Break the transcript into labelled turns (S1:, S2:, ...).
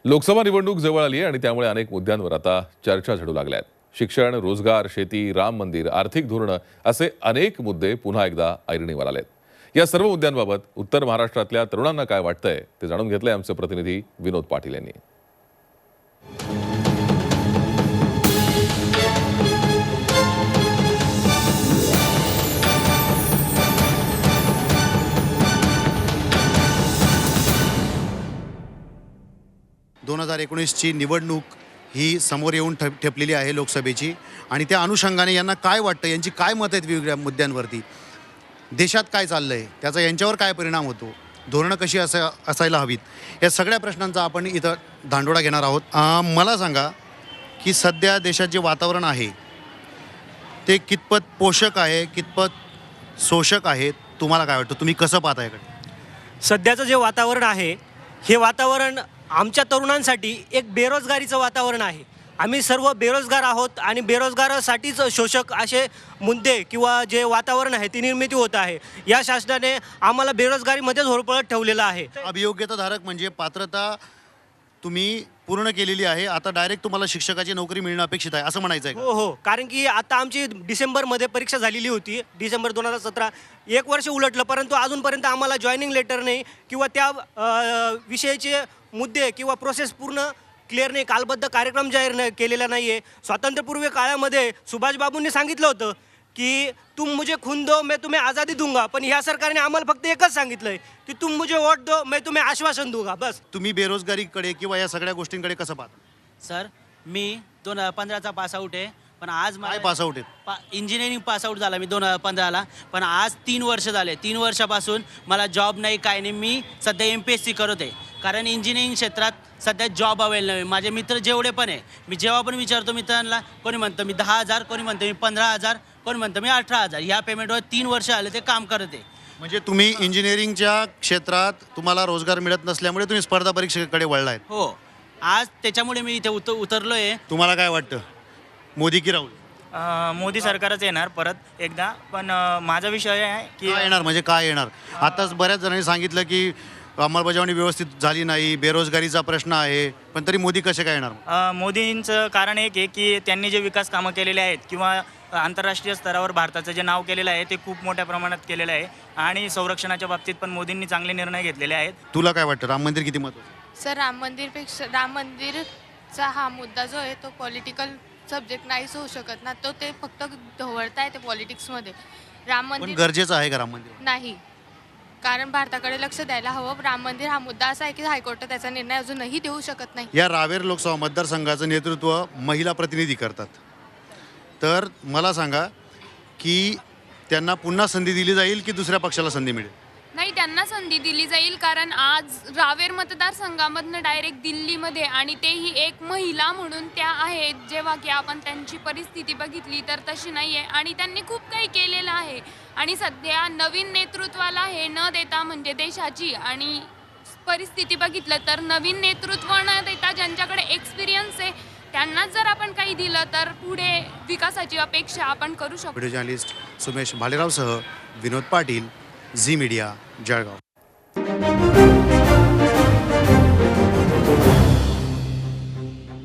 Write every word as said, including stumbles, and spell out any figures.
S1: लोकसभा निवडणूक जवळ आली आहे आणि त्यामुळे अनेक मुद्द्यांवर आता चर्चा झडू लागल्या आहेत. शिक्षण, रोजगार, शेती, राम मंदिर, आर्थिक धोरणं असे अनेक मुद्दे पुन्हा एकदा ऐरणीवर आलेत. या सर्व मुद्द्यांबाबत उत्तर महाराष्ट्रातल्या तरुणांना काय वाटतंय ते जाणून घेतलंय आमचे प्रतिनिधी विनोद पाटील यांनी.
S2: दोन हजार एकोणीसची निवडणूक ही समोर येऊन ठेप ठेपलेली आहे लोकसभेची, आणि त्या अनुषंगाने यांना काय वाटतं, यांची काय मतं आहेत वेगवेगळ्या मुद्द्यांवरती, देशात काय चाललं आहे, त्याचा यांच्यावर काय परिणाम होतो, धोरणं कशी असा असायला हवीत, या सगळ्या प्रश्नांचा आपण इथं धांडोळा घेणार आहोत. अं, मला सांगा की सध्या देशात जे वातावरण आहे ते कितपत पोषक आहे, कितपत शोषक आहे, तुम्हाला काय वाटतं, तुम्ही कसं पाहता याकडे?
S3: सध्याचं जे वातावरण आहे हे वातावरण आमच्या तरुणांसाठी एक बेरोजगारीचं वातावरण आहे. आम्ही सर्व बेरोजगार आहोत आणि बेरोजगारासाठीच शोषक असे मुद्दे किंवा जे वातावरण आहे ती निर्मिती होत आहे. या शासनाने आम्हाला बेरोजगारीमध्येच होरपळत ठेवलेलं आहे.
S2: अभियोग्यताधारक म्हणजे पात्रता तुम्ही पूर्ण केलेली आहे, आता डायरेक्ट तुम्हाला शिक्षकाची नोकरी मिळणं अपेक्षित आहे असं म्हणायचं आहे?
S3: हो हो, कारण की आता आमची डिसेंबरमध्ये परीक्षा झालेली होती, डिसेंबर दोन हजार सतरा. एक वर्ष उलटलं परंतु अजूनपर्यंत आम्हाला जॉईनिंग लेटर नाही किंवा त्या अ, विषयाचे मुद्दे किंवा प्रोसेस पूर्ण क्लिअर नाही, कालबद्ध कार्यक्रम जाहीर नाही केलेला नाही आहे. स्वातंत्र्यपूर्व काळामध्ये सुभाषबाबूंनी सांगितलं होतं की तुम मुझे खून दो मैं तुम्हें आज़ादी दूंगा, पण ह्या सरकारने आम्हाला फक्त एकच सांगितलं आहे की तुम मुझे वोट दो मैं तुम्हें आश्वासन दूंगा, बस.
S2: तुम्ही बेरोजगारीकडे किंवा या सगळ्या गोष्टींकडे कसं पाहता?
S4: सर, मी दोन हजार पंधराचा पासआउट आहे, पण आज
S2: काय पासआउट आहेत?
S4: पा इंजिनिअरिंग पासआउट झाला मी दोन हजार पंधराला, पण आज तीन वर्ष झाले. तीन वर्षापासून मला जॉब नाही, काय नाही. मी सध्या एम पी एस सी करत आहे, कारण इंजिनिअरिंग क्षेत्रात सध्या जॉब अवेलेबल नाही. माझे मित्र जेवढे पण आहे, मी जेव्हा पण विचारतो मित्रांना, कोणी म्हणतं मी दहा हजार, कोणी म्हणतं मी पंधरा हजार, कोणी म्हणतं मी अठरा हजार. ह्या पेमेंटवर तीन वर्ष आले ते काम करत आहे.
S2: म्हणजे तुम्ही इंजिनिअरिंगच्या क्षेत्रात तुम्हाला रोजगार मिळत नसल्यामुळे तुम्ही स्पर्धा परीक्षेकडे वळला आहेत?
S4: हो, आज त्याच्यामुळे मी इथे उत उतरलो आहे.
S2: तुम्हाला काय वाटतं, मोदी की राहुल?
S5: अ, मोदी सरकारच येणार परत एकदा, पण अ, माझा विषय आहे की
S2: काय येणार म्हणजे काय येणार? आताच बऱ्याच जणांनी सांगितलं की अंमलबजावणी व्यवस्थित झाली नाही, बेरोजगारीचा प्रश्न आहे, पण तरी मोदी कसे काय येणार?
S5: अ, मोदींचं कारण एक आहे की त्यांनी जे विकास कामं केलेले आहेत किंवा आंतरराष्ट्रीय स्तरावर भारताचं जे नाव केलेलं आहे ते खूप मोठ्या प्रमाणात केलेलं आहे, आणि संरक्षणाच्या बाबतीत पण मोदींनी चांगले निर्णय घेतलेले आहेत.
S2: तुला काय वाटतं, राम मंदिर किती महत्त्वाचं?
S6: सर, राम मंदिरपेक्षा राम मंदिरचा हा मुद्दा जो आहे तो पॉलिटिकल सब्जेक्ट नाहीच होऊ शकत ना, तो ते फक्त ढवळताय ते पॉलिटिक्समध्ये. राम
S2: पण
S6: मंदिर
S2: गरजेचं आहे का राम मंदिर?
S6: नाही, कारण भारताकडे लक्ष द्यायला हवं. राम मंदिर हा मुद्दा असा आहे की हायकोर्ट त्याचा निर्णय अजूनही देऊ शकत नाही.
S2: या रावेर लोकसभा मतदारसंघाचं नेतृत्व महिला प्रतिनिधी करतात, तर मला सांगा की त्यांना पुन्हा संधी दिली जाईल की दुसऱ्या पक्षाला संधी मिळेल?
S7: नाही, त्यांना संधी दिली जाईल, कारण आज रावेर मतदारसंघामधनं डायरेक्ट दिल्लीमध्ये, आणि तेही एक महिला म्हणून त्या आहेत, जेव्हा की आपण त्यांची परिस्थिती बघितली तर तशी नाही आहे, आणि त्यांनी खूप काही केलेलं आहे. आणि सध्या नवीन नेतृत्वाला हे न देता, म्हणजे देशाची आणि परिस्थिती बघितलं तर नवीन नेतृत्व न देता ज्यांच्याकडे एक्सपिरियन्स आहे त्यांनाच जर आपण काही दिलं तर पुढे विकासाची अपेक्षा आपण करू शकतो.
S2: व्हिडिओ जर्नलिस्ट सुमेश भालेरावसह विनोद पाटील, झी मीडिया, जळगाव.